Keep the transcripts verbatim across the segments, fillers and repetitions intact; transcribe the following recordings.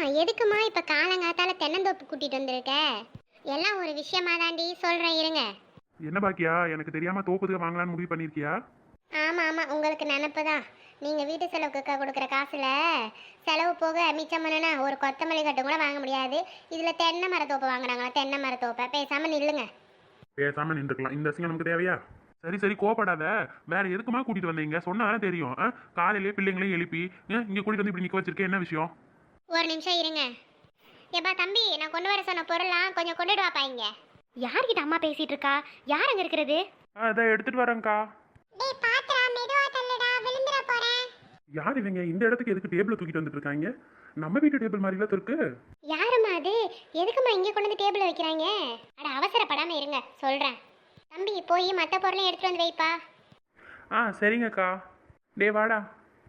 எதுக்குமா இப்ப காலங்காத்தால தென்னந்தோப்பு கூட்டிட்டு வந்திருக்க? எல்லாம் ஒரு விஷயமா தாண்டி சொல்றேன் இருங்க. என்ன பாக்கியா, எனக்கு தெரியாம தோப்புதுக்கு வாங்கலாம்னு முடிவு பண்ணிருக்கியா? ஆமா ஆமா, உங்களுக்கு நினப்பு தான். நீங்க வீட்டு செலவுக்கு க- கொடுக்குற காசுல செலவு போக மிச்சம் பண்ணுனா ஒரு கொத்தமல்லி கட்டு கூட வாங்க முடியாது. இதுல தென்னை மரத்தோப்பு வாங்குறாங்களா? தென்னை மரத்தோப்பை பேசாம நில்லுங்க. பேசாம நின்றுக்கலாம், இந்த அசிங்கம் நமக்கு தேவையா? சரி சரி கோபப்படாத. வேற எதுக்குமா கூட்டிட்டு வந்தீங்க சொன்னாலும் தெரியும். ஆ? காலையிலேயே பிள்ளைங்களையும் எழுப்பி ஆ, இங்க கூட்டிட்டு வந்து இப்படி நிக்க வச்சிருக்கேன், என்ன விஷயம்? ஒரு நிமிஷம் இருங்க. ஏப்பா தம்பி, நான் கொண்டு வர சொன்ன பொருளாம் கொஞ்சம் கொண்டுட்டு வாப்பா இங்க. யார்கிட்ட அம்மா பேசிட்டு இருக்கா? யார் அங்க இருக்கிறது? அதை எடுத்துட்டு வரேன்க்கா. டேய் பாத்ரா, மெதுவா தள்ளுடா, விழுந்துற போறேன். யார் இவங்க இந்த இடத்துக்கு எதுக்கு டேபிள தூக்கிட்டு வந்துட்டு இருக்காங்க? நம்ம வீட்டு டேபிள் மாதிரிலாம் இருக்கு. யாரும்மா அது? எதுக்கும்மா இங்கே கொண்டு வந்து டேபிள் வைக்கிறாங்க? அட அவசரப்படாம இருங்க, சொல்றேன். தம்பி போய் மற்ற பொருளையும் எடுத்துட்டு வந்து வைப்பா. ஆ சரிங்கக்கா. டே வாடா.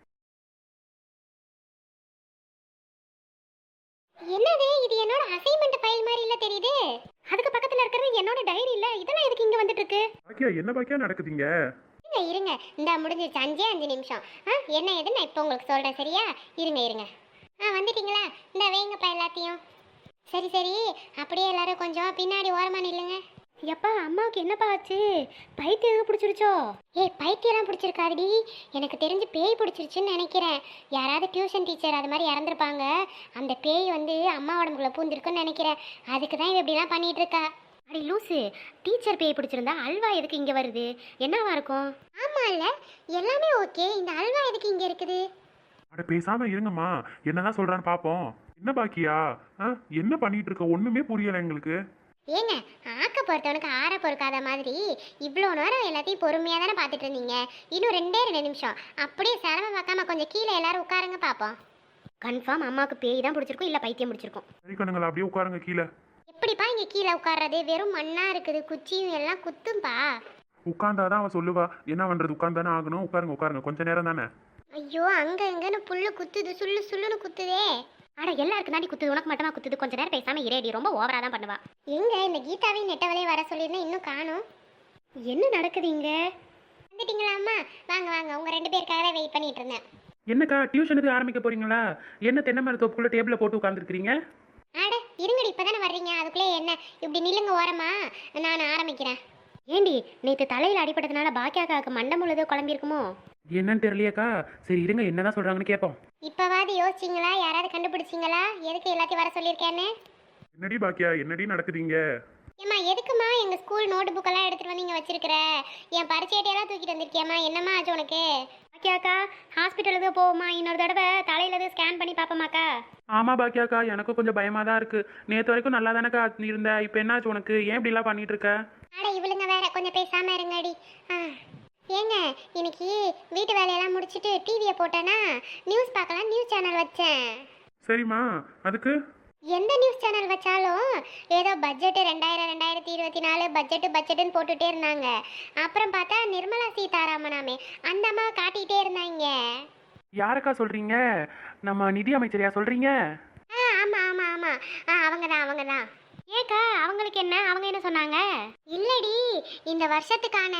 என்னது இது? என்னோட அசைன்மெண்ட் ஃபைல் மாதிரி இல்ல தெரியுது. அதுக்கு பக்கத்துல இருக்கிறது என்னோட டைரி இல்ல. இதெல்லாம் எதுக்கு இங்க வந்துட்டு இருக்கு? பாக்கியா, என்ன பாக்கியா நடக்குதுங்க? இருங்க இருங்க, இந்த முடிஞ்சிருச்சு. அஞ்சே அஞ்சு நிமிஷம். ஆ என்ன ஏதுன்னு நான் இப்போ உங்களுக்கு சொல்றேன், சரியா? இருங்க இருங்க. ஆ வந்துட்டீங்களா? இந்த வைங்கப்பா எல்லாத்தையும். சரி சரி, அப்படியே எல்லாரும் கொஞ்சம் பின்னாடி ஓரமா நில்லுங்க. எப்பா அம்மாவுக்கு என்னப்பா ஆச்சு? பைத்தியம் எதுவும் பிடிச்சிருச்சோ? ஏய் பைத்தியம்லாம் பிடிச்சிருக்காதுடி, எனக்கு தெரிஞ்சு பேய் பிடிச்சிருச்சுன்னு நினைக்கிறேன். யாராவது டியூஷன் டீச்சர் அது மாதிரி இறந்துருப்பாங்க. அந்த பேய் வந்து அம்மா உடம்புக்குள்ள பூந்திருக்குன்னு நினைக்கிறேன். அதுக்கு தான் இவ இப்படிலாம் பண்ணிட்டு இருக்கா. அடி லூசு, டீச்சர் பேய் பிடிச்சிருந்தா அல்வா எதுக்கு இங்கே வருது? என்னவா இருக்கும்? ஆமா இல்ல, எல்லாமே ஓகே, இந்த அல்வா எதுக்கு இங்கே இருக்குது? அட பேசாம இருங்கம்மா, என்னதான் சொல்றான்னு பாப்போம். என்ன பாக்கியா, ஆ? என்ன பண்ணிட்டு இருக்க? ஒண்ணுமே புரியல எங்களுக்கு. ஏங்க, ஆக்க பொறுத்தவனுக்கு ஆற பொறுக்காத மாதிரி இவ்வளோ நேரம் எல்லாத்தையும் பொறுமையாக தானே பார்த்துட்டு இருந்தீங்க. இன்னும் ரெண்டே ரெண்டு நிமிஷம் அப்படியே சிரமம் பார்க்காம கொஞ்சம் கீழே எல்லாரும் உட்காருங்க பார்ப்போம். கன்ஃபார்ம் அம்மாவுக்கு பேய் தான் பிடிச்சிருக்கும், இல்லை பைத்தியம் பிடிச்சிருக்கும். சரி கண்ணுங்களா, அப்படியே உட்காருங்க கீழே. எப்படிப்பா இங்கே கீழே உட்கார்றது? வெறும் மண்ணா இருக்குது, குச்சியும் எல்லாம் குத்தும்பா. உட்கார்ந்தாதான் அவ சொல்லுவா. என்ன பண்றது, உட்கார்ந்தானே ஆகணும். உட்காருங்க உட்காருங்க, கொஞ்ச நேரம் தானே. ஐயோ, அங்க இங்கன்னு புல்லு குத்துது, சுள்ளு சுள்ளுன்னு குத்துதே. அட எல்லாருக்கும் தாண்டி குத்துது, உனக்கு மட்டுமா குத்துது? கொஞ்ச நேரம் பேசாம இரேடி, ரொம்ப ஓவரா தான் பண்ணுவா. எங்க இந்த கீதாவையும் நெட்டவளையும் வர சொல்லியிருந்தேன், இன்னும் காணும். என்ன நடக்குது இங்க? வந்துட்டீங்களா அம்மா? வாங்க வாங்க, உங்க ரெண்டு பேருக்காக தான் வெயிட் பண்ணிட்டு இருந்தேன். என்னக்கா டியூஷனுக்கு ஆரம்பிக்க போறீங்களா? என்ன தென்னை மரத்தோப்புக்குள்ள டேபிள போட்டு உட்காந்துருக்கீங்க? அட இருங்கடி, இப்பதானே வர்றீங்க, அதுக்குள்ளே என்ன இப்படி நில்லுங்க ஓரமா, நான் ஆரம்பிக்கிறேன். ஏண்டி நேற்று தலையில் அடிபட்டதுனால பாக்கியாக்காவுக்கு மண்டை முழுதோ குழம்பிருக்குமோ? என்னன்னு தெரியலையாக்கா. சரி இருங்க, என்னதான் சொல்றாங்கன்னு கேட்போம். இப்பவாது யோசிச்சிங்களா? யாராவது கண்டுபிடிச்சிங்களா எதுக்கு எல்லாத்தையும் வர சொல்லியிருக்கேன்னு? என்னடி பாக்கியா, என்னடி நடக்குதுங்க? ஏம்மா எதுக்குமா எங்க ஸ்கூல் நோட்டு புக்கெல்லாம் எடுத்துட்டு வந்து இங்க வச்சிருக்கிற? என் பரிச்சையட்டையெல்லாம் தூக்கிட்டு வந்திருக்கியாம்மா? என்னம்மா ஆச்சு உனக்கு? பாக்கியாக்கா ஹாஸ்பிட்டலுக்கு போவோமா? இன்னொரு தடவை தலையில எதுவும் ஸ்கேன் பண்ணி பார்ப்போமாக்கா? ஆமா பாக்கியாக்கா, எனக்கும் கொஞ்சம் பயமா தான் இருக்கு. நேற்று வரைக்கும் நல்லா தானக்கா இருந்த, இப்போ என்னாச்சு உனக்கு? ஏன் இப்படிலாம் பண்ணிட்டு இருக்க? அட இவளுங்க வேற, கொஞ்சம் பேசாம இருங்கடி. ஆ ஏங்க, இன்னைக்கு வீட்டு வேலையெல்லாம் முடிச்சுட்டு டிவியை போட்டேன்னா நியூஸ் பார்க்கலாம், நியூஸ் சேனல் வச்சேன். சரிம்மா, அதுக்கு? எந்த நியூஸ் சேனல் வச்சாலும் ஏதோ பட்ஜெட்டு ரெண்டாயிரம் ரெண்டாயிரத்தி இருபத்தி நாலு பட்ஜெட்டு பட்ஜெட்டுன்னு போட்டுகிட்டே இருந்தாங்க. அப்புறம் பார்த்தா நிர்மலா சீதாராமனாமே அந்த அம்மாவை காட்டிகிட்டே இருந்தாங்க. யாருக்கா சொல்றீங்க? நம்ம நிதி அமைச்சரையா சொல்றீங்க? ஆ ஆமாம் ஆமாம் ஆமாம், ஆ அவங்க தான் அவங்க தான். ஏக்கா அவங்களுக்கு என்ன? அவங்க என்ன சொன்னாங்க? இல்லடி, இந்த வருஷத்துக்கான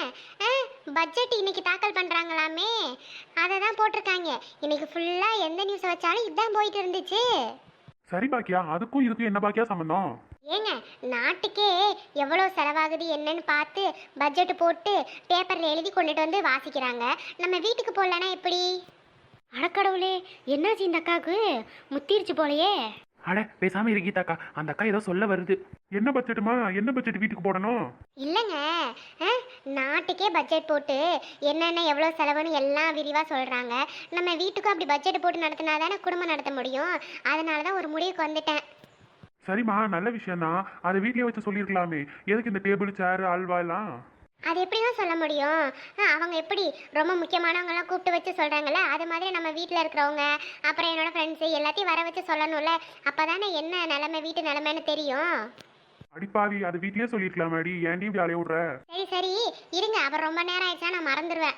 பட்ஜெட் இன்னைக்கு தாக்கல் பண்ணுறாங்களாமே, அதை தான் போட்டிருக்காங்க. இன்னைக்கு ஃபுல்லாக எந்த நியூஸை வச்சாலும் இதுதான் போயிட்டு இருந்துச்சு. சரி பாக்கியா, அதுக்கும் இதுக்கும் என்ன பாக்கியா சம்பந்தம்? ஏங்க, நாட்டுக்கே எவ்வளோ செலவாகுது என்னன்னு பார்த்து பட்ஜெட் போட்டு பேப்பரில் எழுதி கொண்டுட்டு வந்து வாசிக்கிறாங்க. நம்ம வீட்டுக்கு போடலன்னா எப்படி? அடக்கடவுளே, என்னாச்சு இந்த அக்காவுக்கு? முத்திருச்சு போலையே. அட பேசாம இருக்கீதாக்கா, அந்த அக்கா ஏதோ சொல்ல வருது. என்ன பட்ஜெட்டுமா? என்ன பட்ஜெட் வீட்டுக்கு போடணும்? இல்லைங்க, நாட்டுக்கே பட்ஜெட் போட்டு என்னென்ன எவ்வளோ செலவுன்னு எல்லாம் விரிவாக சொல்கிறாங்க. நம்ம வீட்டுக்கும் அப்படி பட்ஜெட் போட்டு நடத்தினா தானே குடும்பம் நடத்த முடியும். அதனால தான் ஒரு முடிவுக்கு வந்துட்டேன். சரிம்மா, நல்ல விஷயம் தான். அதை வீட்லயே வச்சு சொல்லியிருக்கலாமே. எதுக்கு இந்த டேபிள் சேர் அல்வா எல்லாம்? அது எப்படி தான் சொல்ல முடியும்? அவங்க எப்படி ரொம்ப முக்கியமானவங்கெல்லாம் கூப்பிட்டு வச்சு சொல்கிறாங்கல்ல, அது மாதிரி நம்ம வீட்டில் இருக்கிறவங்க அப்புறம் என்னோடய ஃப்ரெண்ட்ஸு எல்லாத்தையும் வர வச்சு சொல்லணும்ல. அப்போ தானே என்ன நிலமை, வீட்டு நிலமைன்னு தெரியும். அடிப்பாவி, அது வீட்லயே சொல்லியிருக்கலாமாடி, ஏன்டி இப்படி அலைய விடுற? சரி சரி இருங்க, அப்புறம் ரொம்ப நேரம் ஆயிடுச்சா நான் மறந்துடுவேன்.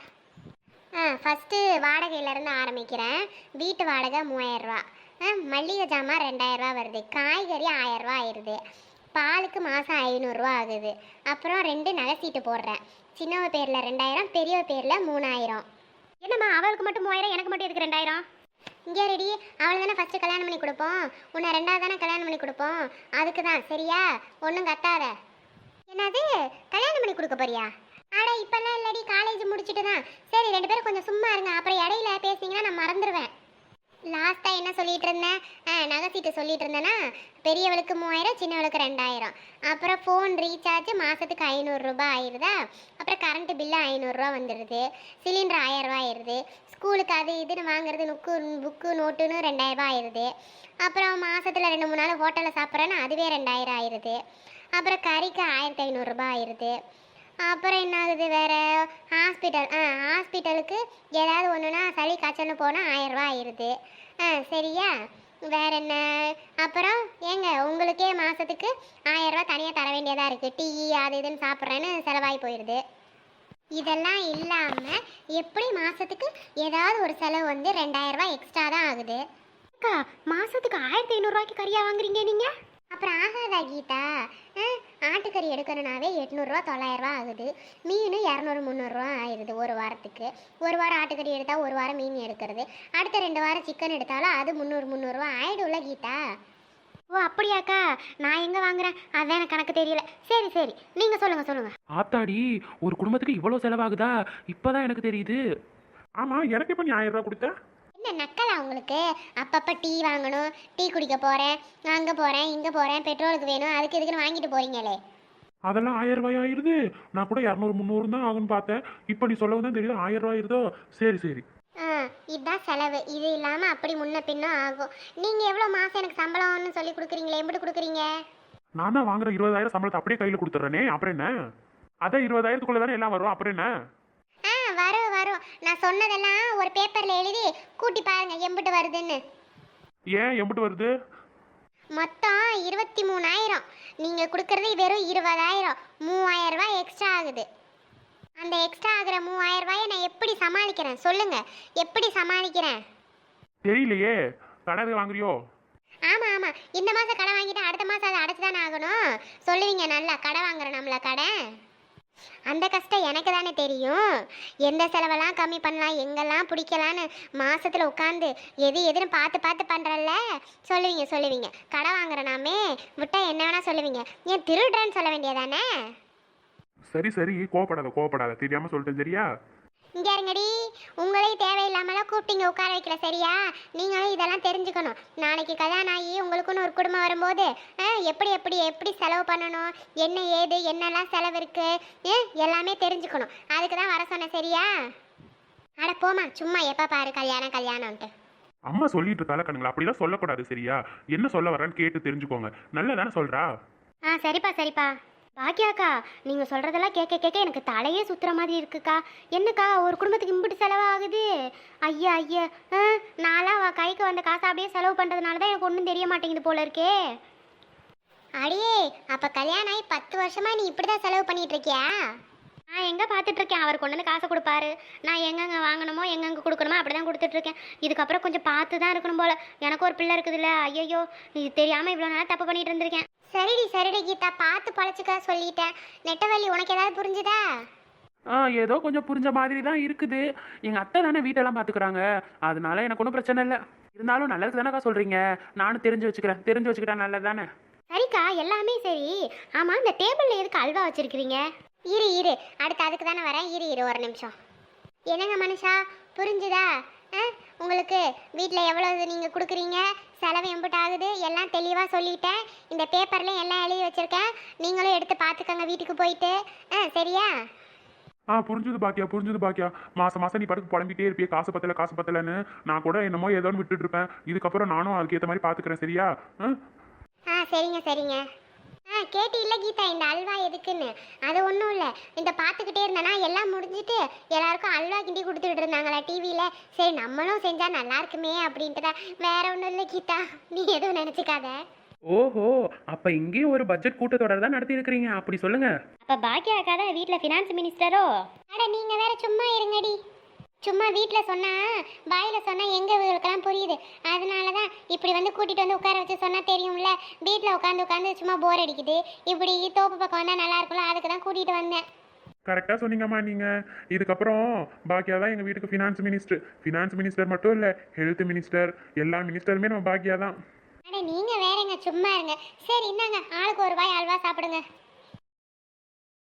ஆ ஃபஸ்ட்டு வாடகையிலேருந்து ஆரம்பிக்கிறேன். வீட்டு வாடகை மூவாயிரரூவா, மல்லிகை ஜாமான் ரெண்டாயிரரூவா வருது, காய்கறி ஆயிரரூவா ஆயிடுது, பாலுக்கு மாதம் ஐநூறுரூவா ஆகுது. அப்புறம் ரெண்டு நகை சீட்டு போடுறேன். சின்னவ பேரில் ரெண்டாயிரம், பெரியவ பேரில் மூணாயிரம். என்னம்மா அவளுக்கு மட்டும் மூவாயிரம், எனக்கு மட்டும் எதுக்கு ரெண்டாயிரம்? இங்கே ரெடி, அவளை தானே ஃபஸ்ட்டு கல்யாணம் பண்ணி கொடுப்போம், உன்னை ரெண்டாவது தானே கல்யாணம் பண்ணி கொடுப்போம், அதுக்கு தான் சரியா, ஒன்றும் கத்தாத. என்னது கல்யாணம் பண்ணி கொடுக்க போறியா? ஆடா இப்பெல்லாம் இல்லடி, காலேஜ் முடிச்சுட்டு தான். சரி ரெண்டு பேரும் கொஞ்சம் சும்மா இருங்க, அப்புறம் இடையில பேசிங்கன்னா நான் மறந்துடுவேன். லாஸ்ட்டாக என்ன சொல்லிட்டு இருந்தேன்? ஆ நகை சீட்டு சொல்லிட்டு இருந்தேன்னா, பெரியவளுக்கு மூவாயிரம், சின்னவளுக்கு ரெண்டாயிரம். அப்புறம் ஃபோன் ரீசார்ஜ் மாதத்துக்கு ஐநூறுரூபா ஆயிடுதா, அப்புறம் கரண்ட்டு பில்லு ஐநூறுரூவா வந்துடுது, சிலிண்டர் ஆயிரரூவா ஆயிடுது, ஸ்கூலுக்கு அது இதுன்னு வாங்குறது நுக்கு புக்கு நோட்டுன்னு ரெண்டாயிரரூபா ஆயிடுது, அப்புறம் மாதத்தில் ரெண்டு மூணு நாள் ஹோட்டலில் சாப்பிட்றேன்னா அதுவே ரெண்டாயிரம் ஆயிடுது, அப்புறம் கறிக்கு ஆயிரத்தி ஐநூறுரூபா ஆயிடுது. அப்புறம் என்ன ஆகுது வேறு? ஹாஸ்பிட்டல், ஆ ஹாஸ்பிட்டலுக்கு ஏதாவது ஒன்றுனா சளி காய்ச்சல்னு போனால் ஆயிரரூவா ஆயிடுது. ஆ சரியா, வேற என்ன? அப்புறம் ஏங்க உங்களுக்கே மாதத்துக்கு ஆயிரரூவா தனியாக தர வேண்டியதாக இருக்குது, டீ அது இதுன்னு சாப்பிட்றேன்னு செலவாகி போயிடுது. இதெல்லாம் இல்லாமல் எப்படி மாதத்துக்கு ஏதாவது ஒரு செலவு வந்து ரெண்டாயிரரூவா எக்ஸ்ட்ரா தான் ஆகுது. அக்கா மாதத்துக்கு ஆயிரத்தி ஐநூறுரூவாய்க்கு கறியாக வாங்குறீங்க நீங்கள்? அப்புறம் ஆகாதா கீதா? ஆட்டுக்கறி எடுக்கணுன்னாவே எட்நூறுரூவா தொள்ளாயிரரூவா ஆகுது, மீன் இரநூறு முந்நூறுரூவா ஆயிடுது ஒரு வாரத்துக்கு. ஒரு வாரம் ஆட்டுக்கறி எடுத்தால் ஒரு வாரம் மீன் எடுக்கிறது, அடுத்த ரெண்டு வாரம் சிக்கன் எடுத்தாலும் அது முந்நூறு முந்நூறுரூவா ஆயிடும்ல கீதா. ஓ அப்படியாக்கா, நான் எங்கே வாங்குறேன் அதான் எனக்கு கணக்கு தெரியல. சரி சரி நீங்கள் சொல்லுங்கள் சொல்லுங்கள். ஆத்தாடி, ஒரு குடும்பத்துக்கு இவ்வளோ செலவாகுதா? இப்போதான் எனக்கு தெரியுது. ஆமாம், எனக்கு இப்போ நீ ஆயிரம் ரூபா கொடுத்த? என்ன நக்கலா உங்களுக்கு? அப்பப்போ டீ வாங்கணும், டீ குடிக்க போகிறேன், அங்கே போகிறேன், இங்கே போகிறேன், பெட்ரோலுக்கு வேணும், அதுக்கு இதுக்குன்னு வாங்கிட்டு போகிறீங்களே. அதெல்லாம் ஆயிரம் ரூபாய் ஆயிருது. நான் கூட இரநூறு முந்நூறு தான் ஆகுன்னு பார்த்தேன், இப்போ நீ சொல்லவும் தான் தெரியுது ஆயிரம் ரூபாய் ஆயிருதோ. சரி சரி. ஆ இதுதான் செலவு, இது இல்லாமல் அப்படி முன்ன பின்னும் ஆகும். நீங்கள் எவ்வளோ மாதம் எனக்கு சம்பளம்னு சொல்லி கொடுக்குறீங்களே, எப்படி கொடுக்குறீங்க? நான் தான் வாங்குற இருபதாயிரம் சம்பளத்தை அப்படியே கையில் கொடுத்துட்றேனே, அப்புறம் என்ன? அதான் இருபதாயிரத்துக்குள்ளே தானே எல்லாம் வரும், அப்புறம் என்ன? ஆ வரும் வரும், நான் சொன்னதெல்லாம் ஒரு பேப்பரில் எழுதி கூட்டி பாருங்க எம்பிட்டு வருதுன்னு. ஏன் எம்பிட்டு வருது? மொத்தம் இருபத்தி மூணாயிரம், நீங்கள் கொடுக்குறது வெறும் இருபதாயிரம், மூவாயிரம் ரூபாய் எக்ஸ்ட்ரா ஆகுது. அந்த எக்ஸ்ட்ரா ஆகுற மூவாயிரம் ரூபாயை நான் எப்படி சமாளிக்கிறேன் சொல்லுங்க, எப்படி சமாளிக்கிறேன்? தெரியலையே, கடை வாங்குறியோ? ஆமாம் ஆமாம், இந்த மாதம் கடை வாங்கிட்டு அடுத்த மாதம் அதை அடைச்சி தானே ஆகணும். சொல்லுவீங்க நல்லா கடை வாங்குற நம்மள கடை. அந்த கஷ்டம் எனக்கு தானே தெரியும், எந்த செலவெல்லாம் கம்மி பண்ணலாம், எங்கெல்லாம் பிடிக்கலான்னு மாசத்துல உட்காந்து எது எதுன்னு பார்த்து பார்த்து பண்ணுறல்ல. சொல்லுவீங்க சொல்லுவீங்க கடை வாங்குறனாமே விட்டா என்ன வேணா சொல்லுவீங்க, ஏன் திருடுறேன்னு சொல்ல வேண்டியதானே? சரி சரி, கோவப்படாத கோவப்படாத, தெரியாம சொல்லிட்டேன் சரியா? இங்கே இருங்கடி, உங்களையும் தேவையில்லாமலாம் கூப்பிட்டீங்க உட்கார வைக்கல சரியா? நீங்களும் இதெல்லாம் தெரிஞ்சுக்கணும். நாளைக்கு கல்யாணம் ஆகி உங்களுக்குன்னு ஒரு குடும்பம் வரும்போது எப்படி எப்படி எப்படி செலவு பண்ணணும், என்ன ஏது என்னெல்லாம் செலவு இருக்கு எல்லாமே தெரிஞ்சுக்கணும். அதுக்கு தான் வர சொன்னேன் சரியா? அட போமா, சும்மா எப்போ பாரு கல்யாணம் கல்யாணம்ன்ட்டு. அம்மா சொல்லிட்டு இருக்கால கண்ணுங்களா, அப்படிலாம் சொல்லக்கூடாது சரியா? என்ன சொல்ல வரேன்னு கேட்டு தெரிஞ்சுக்கோங்க, நல்லதானே சொல்றா? ஆ சரிப்பா சரிப்பா. பாக்கியாக்கா, நீங்கள் சொல்கிறதெல்லாம் கேட்க கேட்க எனக்கு தலையே சுற்றுற மாதிரி இருக்குக்கா. என்னக்கா ஒரு குடும்பத்துக்கு இம்பிட்டு செலவாகுது? ஐயா ஐயா, ஆ நான்லாம் கைக்கு வந்த காசை அப்படியே செலவு பண்ணுறதுனால தான் எனக்கு ஒன்றும் தெரிய மாட்டேங்குது போல இருக்கே. அடியே, அப்போ கல்யாணம் ஆகி பத்து வருஷமா நீ இப்படி தான் செலவு பண்ணிட்டு இருக்கியா? நான் எங்கே பார்த்துட்ருக்கேன், அவர் கொண்டு வந்து காசை கொடுப்பாரு, நான் எங்கெங்கே வாங்கணுமோ எங்கெங்கே கொடுக்கணுமோ அப்படி தான் கொடுத்துட்ருக்கேன். இதுக்கப்புறம் கொஞ்சம் பார்த்து தான் இருக்கணும் போல், எனக்கு ஒரு பிள்ளை இருக்குதுல்ல. ஐயோ, இது தெரியாமல் இவ்வளோ நாளாக தப்பு பண்ணிட்டு இருந்திருக்கேன். சரிடி சரிடி கீதா, பார்த்து பழச்சுக்க சொல்லிட்டேன். நெட்டவள்ளி உனக்கு ஏதாவது புரிஞ்சுதா? ஆ ஏதோ கொஞ்சம் புரிஞ்ச மாதிரி தான் இருக்குது. எங்கள் அத்தை தானே வீட்டெல்லாம் பார்த்துக்குறாங்க, அதனால எனக்கு ஒன்றும் பிரச்சனை இல்லை. இருந்தாலும் நல்லதுக்கு தானேக்கா சொல்கிறீங்க, நானும் தெரிஞ்சு வச்சுக்கிறேன், தெரிஞ்சு வச்சுக்கிட்டா நல்லது தானே. சரிக்கா, எல்லாமே சரி. ஆமாம், இந்த டேபிளில் எதுக்கு அல்வா வச்சுருக்கிறீங்க? இரு இரு, அடுத்து அதுக்கு தானே வரேன், இரு இரு ஒரு நிமிஷம். என்னங்க மனுஷா, புரிஞ்சுதா? ஆ உங்களுக்கு வீட்டில் எவ்வளவு நீங்கள் கொடுக்குறீங்க, செலவு எம்பிட்டு ஆகுது எல்லாம் தெளிவாக சொல்லிட்டேன். இந்த பேப்பர்லேயும் எல்லாம் எழுதி வச்சுருக்கேன், நீங்களும் எடுத்து பார்த்துக்கோங்க வீட்டுக்கு போயிட்டு. ஆ சரியா? ஆ புரிஞ்சுது பாக்கியா, புரிஞ்சுது பாக்கியா. மாசம் மாசம் நீ படுத்து புலம்பிட்டே இருப்பியே, காசு பத்தல காசு பத்தலன்னு. நான் கூட என்னமோ ஏதோன்னு விட்டுட்டு இருப்பேன், இதுக்கப்புறம் நானும் அதுக்கேற்ற மாதிரி பார்த்துக்கிறேன் சரியா? ஆ ஆ சரிங்க சரிங்க. ஆ கேட்டு இல்லை கீதா, இந்த அல்வா எதுக்குன்னு? அது ஒன்றும் இல்லை, இந்த பார்த்துக்கிட்டே இருந்தேன்னா எல்லாம் முடிஞ்சுட்டு எல்லாருக்கும் அல்வா கிண்டி கொடுத்துட்டு இருந்தாங்களா டிவியில். சரி நம்மளும் செஞ்சால் நல்லா இருக்குமே அப்படின்ட்டு தான், வேற ஒன்றும் இல்லை கீதா, நீ எதுவும் நினச்சிக்காத. ஓஹோ, அப்போ இங்கேயும் ஒரு பட்ஜெட் கூட்டத்தொடர் தான் நடத்தி இருக்கிறீங்க, அப்படி சொல்லுங்க. அப்போ பாக்கியா அக்கா தான் வீட்டில் ஃபினான்ஸ் மினிஸ்டரோ? அட நீங்கள் வேற சும்மா இருங்கடி, சும்மா வீட்டில் சொன்னால் வாயில் சொன்னால் எங்கே இவங்களுக்கெல்லாம் புரியுது, அதனால தான் இப்படி வந்து கூட்டிகிட்டு வந்து உட்கார வச்சு சொன்னால் தெரியும்ல. வீட்டில் உட்காந்து உட்காந்து சும்மா போர் அடிக்குது, இப்படி தோப்பு பக்கம் வந்தால் நல்லா இருக்கும்ல, அதுக்கு தான் கூட்டிகிட்டு வந்தேன். கரெக்டாக சொன்னீங்கம்மா நீங்கள். இதுக்கப்புறம் பாக்கியா தான் எங்கள் வீட்டுக்கு ஃபினான்ஸ் மினிஸ்டர். ஃபினான்ஸ் மினிஸ்டர் மட்டும் இல்லை, ஹெல்த் மினிஸ்டர், எல்லா மினிஸ்டருமே நம்ம பாக்கியா தான். அட நீங்க வேறங்க, சும்மா இருங்க. சரி இந்தாங்க, ஆளுக்கு ஒரு வாய் அல்வா சாப்பிடுங்க.